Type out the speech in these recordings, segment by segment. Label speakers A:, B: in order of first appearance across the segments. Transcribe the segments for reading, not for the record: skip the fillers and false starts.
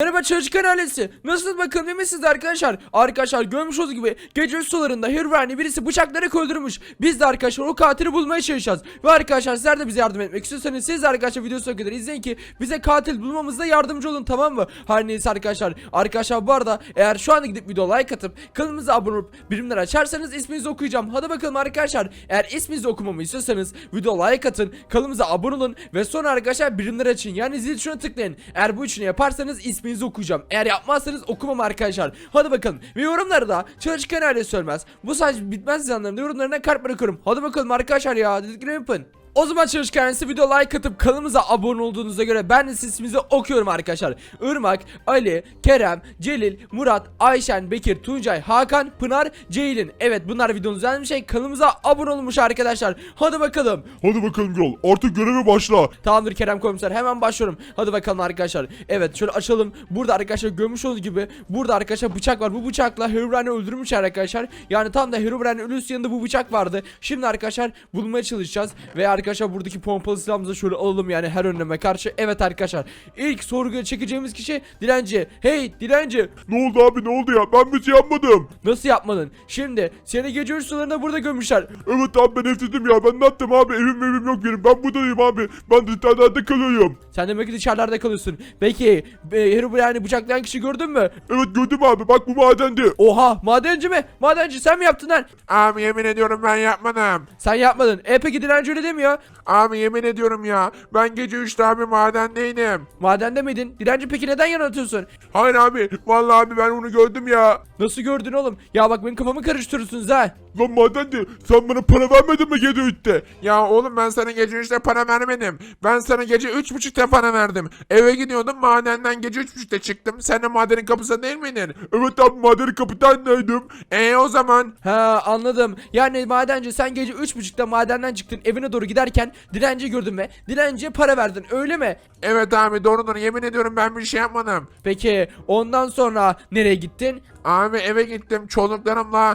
A: Merhaba çalışkan ailesi. Nasılsınız bakalım, iyi misiniz arkadaşlar? Arkadaşlar görmüş olduğunuz gibi gece sularında Herobrine birisi bıçaklayarak öldürmüş. Biz de arkadaşlar o katili bulmaya çalışacağız. Ve arkadaşlar sizler de bize yardım etmek istiyorsanız siz de arkadaşlar videoyu sonuna kadar izleyin ki bize katil bulmamızda yardımcı olun, tamam mı? Her neyse arkadaşlar. Arkadaşlar bu arada eğer şu anda gidip video like atıp kanalımıza abone olup birimleri açarsanız isminizi okuyacağım. Hadi bakalım arkadaşlar. Eğer isminizi okumamı istiyorsanız video like atın, kanalımıza abone olun ve sonra arkadaşlar birimleri açın. Yani zil tuşuna tıklayın. Eğer bu üçünü yaparsanız isminizi okuyacağım. Eğer yapmazsanız okumam arkadaşlar. Hadi bakalım. Ve yorumları da çalışkan ailesi söylemez. Bu sadece bitmez zanlarında yorumlarına kalp bırakıyorum. Hadi bakalım arkadaşlar ya. Dediklerimi yapın. O zaman çalışkan ailesi video like atıp kanalımıza abone olduğunuza göre ben de isminizi okuyorum arkadaşlar. Irmak, Ali, Kerem, Celil, Murat, Ayşen, Bekir, Tuncay, Hakan, Pınar, Ceylin. Evet bunlar videonun üzerinde şey, kanalımıza abone olmuş arkadaşlar. Hadi bakalım.
B: Hadi bakalım Gürol, artık göreve başla.
A: Tamamdır Kerem komiser, hemen başlıyorum. Hadi bakalım arkadaşlar. Evet şöyle açalım. Burada arkadaşlar görmüş olduğunuz gibi burada arkadaşlar bıçak var. Bu bıçakla Herobrine'i öldürmüş arkadaşlar. Yani tam da Herobrine'in ölüsü yanında bu bıçak vardı. Şimdi arkadaşlar bulmaya çalışacağız. Ve arkadaşlar buradaki pompalı silahımızı şöyle alalım yani her önleme karşı. Evet arkadaşlar. İlk sorguya çekeceğimiz kişi dilenci. Hey dilenci.
B: Ne oldu abi, ne oldu ya? Ben bir şey yapmadım.
A: Nasıl yapmadın? Şimdi seni gece uykularında burada gömmüşler.
B: Evet abi, ben evsizim ya. Ben ne yaptım abi? Evim yok benim. Ben buradayım abi. Ben dışarıda kalıyorum.
A: Sen demek ki dışarılarda kalıyorsun. Peki Herobrine'i bıçaklayan kişi gördün mü?
B: Evet gördüm abi. Bak bu madendi.
A: Oha, madenci mi? Madenci sen mi yaptın lan?
C: Abi yemin ediyorum ben yapmadım.
A: Sen yapmadın. Peki dilenci öyle demiyor.
C: Abi yemin ediyorum ya. Ben gece 3'te abi madendeydim.
A: Madende miydin? Dilenci peki neden yanıltıyorsun?
C: Hayır abi. Vallahi abi ben onu gördüm ya.
A: Nasıl gördün oğlum? Ya bak benim kafamı karıştırıyorsunuz ha.
B: Lan madendi. Sen bana para vermedin mi gece 3'te?
C: Ya oğlum ben sana gece 3'te para vermedim. Ben sana gece 3.30'da para verdim. Eve gidiyordum madenden gece 3.30'da çıktım. Sen de madenin kapısında değil miydin?
B: Evet abi, madenin kapıdaydım.
C: O zaman.
A: Ha anladım. Yani madenci sen gece 3.30'da madenden çıktın, evine doğru giderken dilenci gördün ve dilenciye para verdin, öyle mi?
C: Evet abi doğrudur, yemin ediyorum ben bir şey yapmadım.
A: Peki ondan sonra nereye gittin?
C: Abi eve gittim çocuklarımla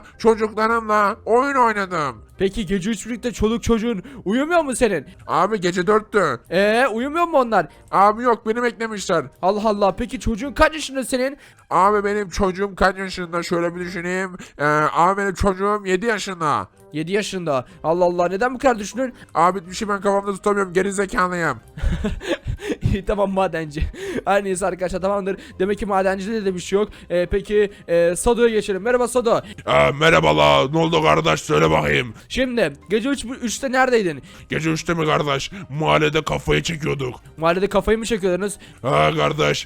C: oyun oynadım.
A: Peki gece 3.30'da çoluk çocuğun uyumuyor mu senin?
C: Abi gece 4'tü.
A: Uyumuyor mu onlar?
C: Abi yok, beni beklemişler.
A: Allah Allah, peki çocuğun kaç yaşında senin?
C: Abi benim çocuğum kaç yaşında, şöyle bir düşüneyim. Abi benim çocuğum 7 yaşında.
A: 7 yaşında. Allah Allah, neden bu kadar düşünün?
C: Abi bir şey ben kafamda tutamıyorum, gerizekalıyım.
A: İyi tamam madenci. Her neyse arkadaşlar, tamamdır. Demek ki madencide de bir şey yok. Peki Sado'ya geçelim. Merhaba Sado.
B: Merhabalar. Ne oldu kardeş, söyle bakayım.
A: Şimdi gece 3'te neredeydin?
B: Gece 3'te mi kardeş? Mahallede kafayı çekiyorduk.
A: Mahallede kafayı mı çekiyordunuz?
B: Ha kardeş.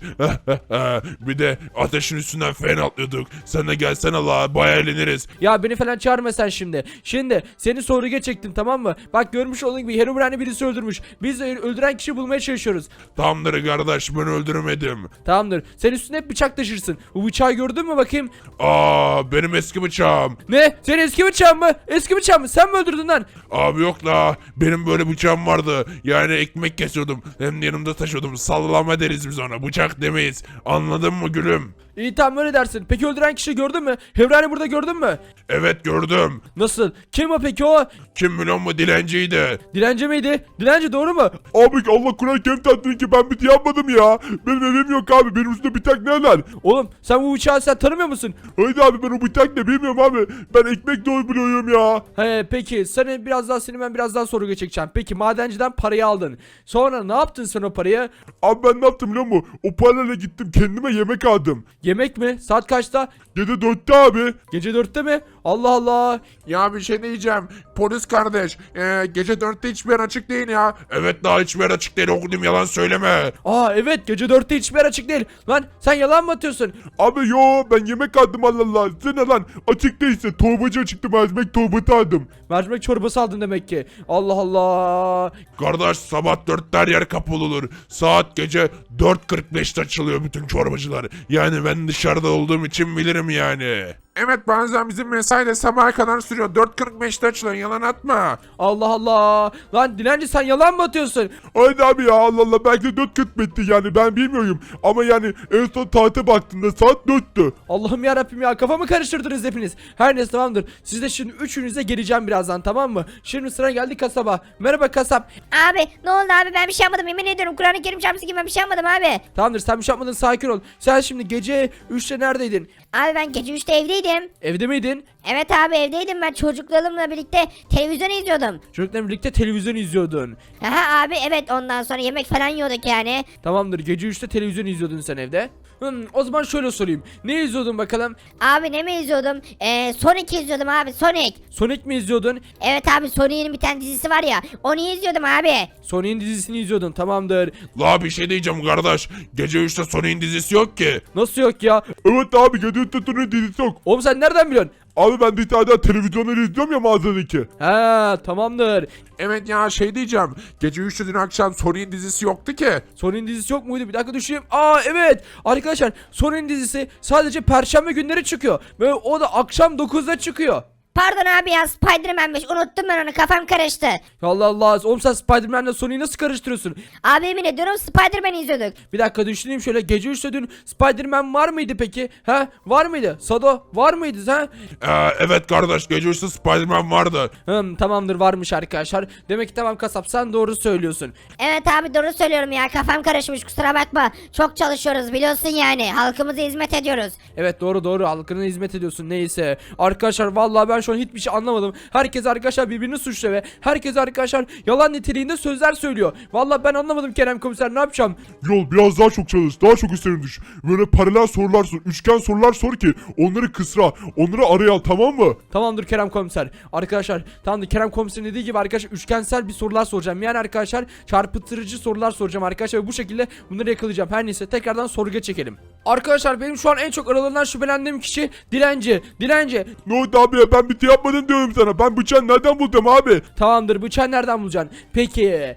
B: Bir de ateşin üstünden fen atlıyorduk. Sen de gelsene la, bayağı eğleniriz.
A: Ya beni falan çağırma sen şimdi. Şimdi seni sorguya çektim, tamam mı? Bak görmüş olduğun gibi Herobrine'i birisi öldürmüş. Biz de öldüren kişiyi bulmaya çalışıyoruz.
B: Tamamdır kardeş, ben öldürmedim.
A: Tamamdır. Sen üstüne hep bıçak taşırsın. Bu bıçağı gördün mü bakayım?
B: Benim eski bıçağım.
A: Ne? Senin eski bıçağın mı? Eski bıçağın mı? Sen mi öldürdün lan?
B: Abi yok la, benim böyle bıçağım vardı. Yani ekmek kesiyordum. Hem de yanımda taşıyordum. Sallama deriz biz ona, bıçak demeyiz. Anladın mı gülüm?
A: İyi tamam, öyle dersin. Peki öldüren kişiyi gördün mü? Herobrine'i burada gördün mü?
B: Evet gördüm.
A: Nasıl? Kim o peki o?
B: Kim biliyor mu, dilenciydi.
A: Dilenci miydi? Dilenci doğru mu?
B: Abi Allah Kur'an kerim tatlıyım ki ben bir şey yapmadım ya. Benim evim yok abi, benim üstümde bıçak ne lan?
A: Oğlum sen bu bıçağı sen tanımıyor musun?
B: Haydi abi, ben o bıçak ne bilmiyorum abi. Ben ekmek doyuruyorum ya.
A: Peki seni ben biraz daha sorguya çekeceğim. Peki madenciden parayı aldın. Sonra ne yaptın sen o parayı?
B: Abi ben ne yaptım biliyor musun? O parayla gittim kendime yemek aldım.
A: Yemek mi? Saat kaçta?
B: Gece 4'te abi.
A: Gece 4'te mi? Allah Allah.
C: Ya bir şey diyeceğim. Polis kardeş. Gece 4'te hiçbir yer açık değil ya.
B: Evet, daha hiçbir yer açık değil, okudum, yalan söyleme.
A: Evet gece 4'te hiçbir yer açık değil. Lan sen yalan mı atıyorsun?
B: Abi yo, ben yemek aldım Allah Allah. Sen ne lan, açık değilse torbacı çıktım, ekmek torbası aldım.
A: Mercimek çorbası aldın demek ki. Allah Allah.
B: Kardeş sabah 4'te her yer kapalı olur. Saat gece 4.45'te açılıyor bütün çorbacılar. Yani ben dışarıda olduğum için bilirim yani.
C: Evet bazen bizim mesai de sabaha kadar sürüyor. 4.45'te açılıyor yalan atma.
A: Allah Allah. Lan dilenci sen yalan mı atıyorsun?
B: Aynen abi ya, Allah Allah, belki de 4.40 bitti yani, ben bilmiyorum. Ama yani en son saate baktığımda saat 4'tü.
A: Allah'ım yarabbim ya, kafamı karıştırdınız hepiniz. Her neyse tamamdır. Siz de şimdi üçünüze geleceğim birazdan, tamam mı? Şimdi sıra geldi kasaba. Merhaba kasap.
D: Abi ne oldu abi, ben bir şey yapmadım, yemin ediyorum Kur'an-ı Kerim çarpsın ki ben bir şey yapmadım abi.
A: Tamamdır, sen bir şey yapmadın, sakin ol. Sen şimdi gece 3'te neredeydin?
D: Abi ben gece 3'te evdeydim.
A: Evde miydin?
D: Evet abi evdeydim, ben çocuklarımla birlikte televizyon izliyordum.
A: Çocuklarla birlikte televizyon izliyordun.
D: Aha abi evet, ondan sonra yemek falan yiyorduk yani.
A: Tamamdır, gece 3'te televizyon izliyordun sen evde. O zaman şöyle sorayım. Ne izliyordun bakalım?
D: Abi ne mi izliyordum? Sonic izliyordum abi, Sonic.
A: Sonic mi izliyordun?
D: Evet abi, Sonic'in bir tane dizisi var ya, onu izliyordum abi.
A: Sonic'in dizisini izliyordun, tamamdır.
B: La bir şey diyeceğim kardeş. Gece 3'te Sonic'in dizisi yok ki.
A: Nasıl yok ya?
B: Evet abi, gece 3'te Sonic'in dizisi yok.
A: Oğlum sen nereden biliyorsun?
B: Abi ben bir tane daha televizyonları izliyorum ya, mağazadaki.
A: Ha tamamdır.
C: Evet ya şey diyeceğim. Gece 3'te dün akşam Sonic'in dizisi yoktu ki.
A: Sonic'in dizisi yok muydu? Bir dakika düşüneyim. Aa evet. Arkadaşlar Sonic'in dizisi sadece perşembe günleri çıkıyor. Ve o da akşam 9'da çıkıyor.
D: Pardon abi ya, Spider-Man'miş, unuttum ben onu, kafam karıştı.
A: Ya Allah Allah. Oğlum sen Spider-Man'le Sonic'i nasıl karıştırıyorsun?
D: Abi yemin ediyorum Spider-Man izliyorduk.
A: Bir dakika düşüneyim şöyle. Gece 3'te dün Spider-Man var mıydı peki? Ha? Var mıydı? Sado var mıydı ha?
B: Evet kardeş, gece 3'te Spider-Man vardı.
A: Tamamdır, varmış arkadaşlar. Demek ki tamam kasap, sen doğru söylüyorsun.
D: Evet abi doğru söylüyorum ya, kafam karışmış, kusura bakma. Çok çalışıyoruz biliyorsun yani, halkımıza hizmet ediyoruz.
A: Evet doğru, halkına hizmet ediyorsun, neyse. Arkadaşlar vallahi ben şu an hiçbir şey anlamadım. Herkes arkadaşlar birbirini suçluyor ve herkes arkadaşlar yalan niteliğinde sözler söylüyor. Vallahi ben anlamadım Kerem komiser, ne yapacağım?
B: Yol biraz daha çok çalış, daha çok üstlerine düş. Böyle paralel sorular sor, üçgen sorular sor ki onları kısra, onları araya al, tamam mı?
A: Tamamdır Kerem komiser. Arkadaşlar tamamdır, Kerem komiserin dediği gibi arkadaşlar üçgensel bir sorular soracağım. Yani arkadaşlar çarpıtırıcı sorular soracağım arkadaşlar ve bu şekilde bunları yakalayacağım. Her neyse tekrardan sorguya çekelim. Arkadaşlar benim şu an en çok aralarından şüphelendiğim kişi dilenci.
B: Ne oldu abi ya, ben bir şey yapmadım diyorum sana. Ben bıçağı nereden buldum abi?
A: Tamamdır, bıçağı nereden bulacaksın? Peki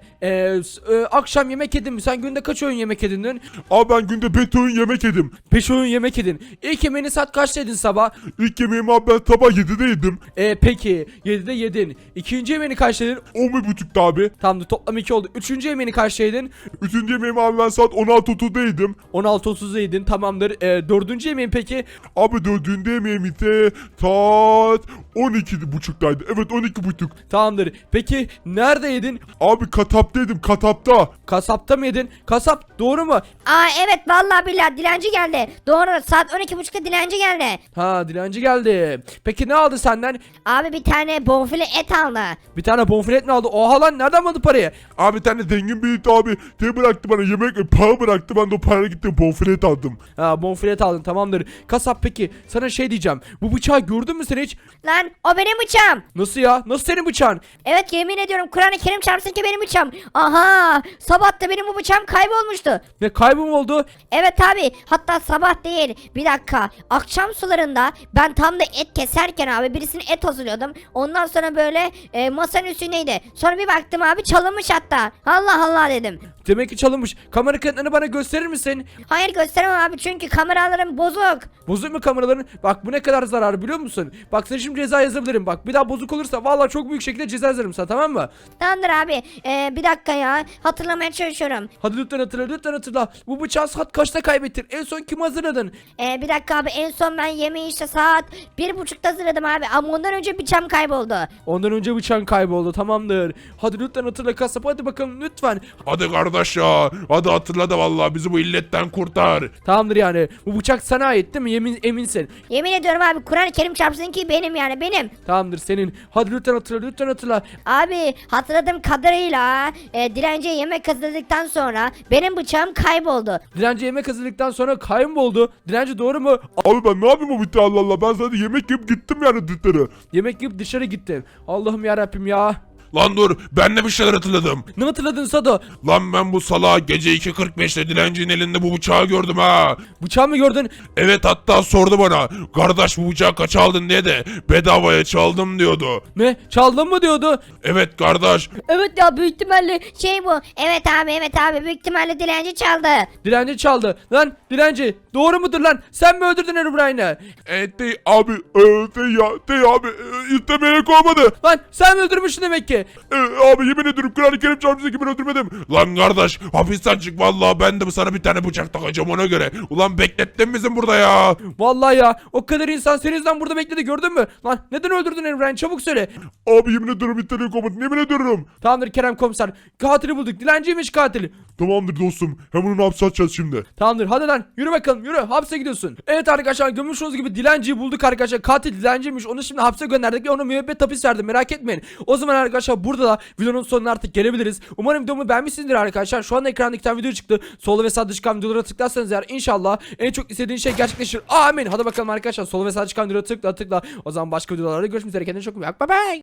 A: akşam yemek yedin mi? Sen günde kaç öğün yemek yedin dün?
B: Abi ben günde 5 öğün yemek yedim.
A: 5 öğün yemek yedin. İlk yemeğini saat kaçta yedin sabah?
B: İlk yemeğimi abi ben sabah 7'de yedim.
A: Peki 7'de yedin. İkinci yemeğini kaçta yedin?
B: 11.30'da abi.
A: Tamamdır, toplam 2 oldu. Üçüncü yemeğini kaçta yedin?
B: Üçüncü yemeğimi abi ben saat 16.30'da yedim.
A: 16.30'da yedin, tamamdır. Dördüncü yemeğin peki?
B: Abi dördüncü yemeğim ise saat 12.30'daydı. Evet 12.30.
A: Tamamdır. Peki nerede yedin?
B: Abi katapta yedim, katapta.
A: Kasapta mı yedin? Kasap doğru mu?
D: Aa evet vallahi billahi dilenci geldi. Doğru, saat 12.30'da dilenci geldi.
A: Ha, dilenci geldi. Peki ne aldı senden?
D: Abi bir tane bonfile et aldı.
A: Bir tane bonfilet mi aldı? Oha lan, nereden buldu parayı?
B: Abi bir tane zengin bir abi bıraktı bana yemek, para bıraktı, ben de o parayla gittim bonfilet aldım.
A: Ha, bonfilet aldın, tamamdır. Kasap peki sana şey diyeceğim. Bu bıçağı gördün mü sen hiç?
D: Lan o benim bıçağım.
A: Nasıl ya? Nasıl senin bıçağın?
D: Evet yemin ediyorum Kur'an-ı Kerim çarpsın ki benim bıçağım. Aha, sabah da benim bu bıçağım kaybolmuştu.
A: Ne, kaybı mı oldu?
D: Evet abi, hatta sabah değil, bir dakika, akşam sularında ben tam da et keserken abi birisine et hazırlıyordum. Ondan sonra böyle masanın üstündeydi. Sonra bir baktım abi çalınmış hatta. Allah Allah dedim.
A: Demek ki çalınmış. Kamera kayıtlarını bana gösterir misin?
D: Hayır gösteremem abi, çünkü kameralarım bozuk.
A: Bozuk mu kameraların? Bak bu ne kadar zarar biliyor musun? Bak sana şimdi ceza yazabilirim. Bak bir daha bozuk olursa vallahi çok büyük şekilde ceza yazarım sana, tamam mı?
D: Tamamdır abi, bir dakika ya, hatırlamaya çalışıyorum.
A: Hadi lütfen hatırla, lütfen hatırla. Bu bıçağı saat kaçta kaybettin? En son kim hazırladın?
D: Bir dakika abi, en son ben yemeği işte saat 1.30'da hazırladım abi, ama ondan önce bıçağım kayboldu.
A: Ondan önce bıçağın kayboldu, tamamdır. Hadi lütfen hatırla kasap, hadi bakalım lütfen.
B: Hadi kardeş ya, hadi hatırla da vallahi bizi bu illetten kurtar.
A: Tamamdır yani. Bu bıçak sana ait değil mi? Eminsin.
D: Yemin ediyorum abi, Kur'an-ı Kerim çarpsın ki benim, yani benim.
A: Tamamdır senin. Hadi lütfen hatırla, lütfen hatırla.
D: Abi hatırladığım kadarıyla dilenciye yemek hazırladıktan sonra benim bıçağım kayboldu.
A: Dilenci yemek hazırladıktan sonra kayboldu. Dilenci doğru mu?
B: Abi ben ne yapayım o bitti, Allah Allah, ben zaten yemek yiyip gittim yani dışarı.
A: Yemek yiyip dışarı gittin. Allah'ım yarabbim ya.
B: Lan dur, ben de bir şeyler hatırladım.
A: Ne hatırladın Sado?
B: Lan ben bu salağı gece 2.45'te dilencinin elinde bu bıçağı gördüm ha.
A: Bıçağı mı gördün?
B: Evet, hatta sordu bana. Kardeş, bu bıçağı kaç aldın diye de bedavaya çaldım diyordu.
A: Ne? Çaldın mı diyordu?
B: Evet kardeş.
D: Evet ya büyük ihtimalle şey bu. Evet abi büyük ihtimalle dilenci çaldı.
A: Dilenci çaldı. Lan dilenci doğru mudur lan? Sen mi öldürdün Herobrine'i?
B: Dey abi, dey abi, istemeyerek olmadı.
A: Lan sen mi öldürmüşsün demek ki?
B: Abi yemin ederim Kur'an-ı Kerim çarpısı gibi öldürmedim. Lan kardeş, hapisten çık vallahi, ben de sana bir tane bıçak takacağım ona göre. Ulan beklettin bizim burada ya.
A: Vallahi ya o kadar insan senin yüzünden burada bekledi gördün mü? Lan neden öldürdün Herobrine'i çabuk söyle.
B: Abi yemin ederim istemeyerek olmadı, yemin ediyorum.
A: Tamamdır Kerem komiser. Katili bulduk. Dilenciymiş katili.
B: Tamamdır dostum, hemen onu hapse atacağız şimdi.
A: Tamamdır hadi lan yürü bakalım yürü hapse gidiyorsun. Evet arkadaşlar görmüş olduğunuz gibi dilenciyi bulduk arkadaşlar. Katil dilenciymiş, onu şimdi hapse gönderdik ve ona müebbet hapis verdim, merak etmeyin. O zaman arkadaşlar burada da videonun sonuna artık gelebiliriz. Umarım videomu beğenmişsinizdir arkadaşlar. Şu anda ekranda iki tane video çıktı. Solda ve sağda çıkan videolara tıklarsanız eğer inşallah en çok istediğiniz şey gerçekleşir. Amin. Hadi bakalım arkadaşlar, solda ve sağda çıkan videolara tıkla. O zaman başka videolarda görüşmek üzere, kendinize çok iyi bakın. Bye bye.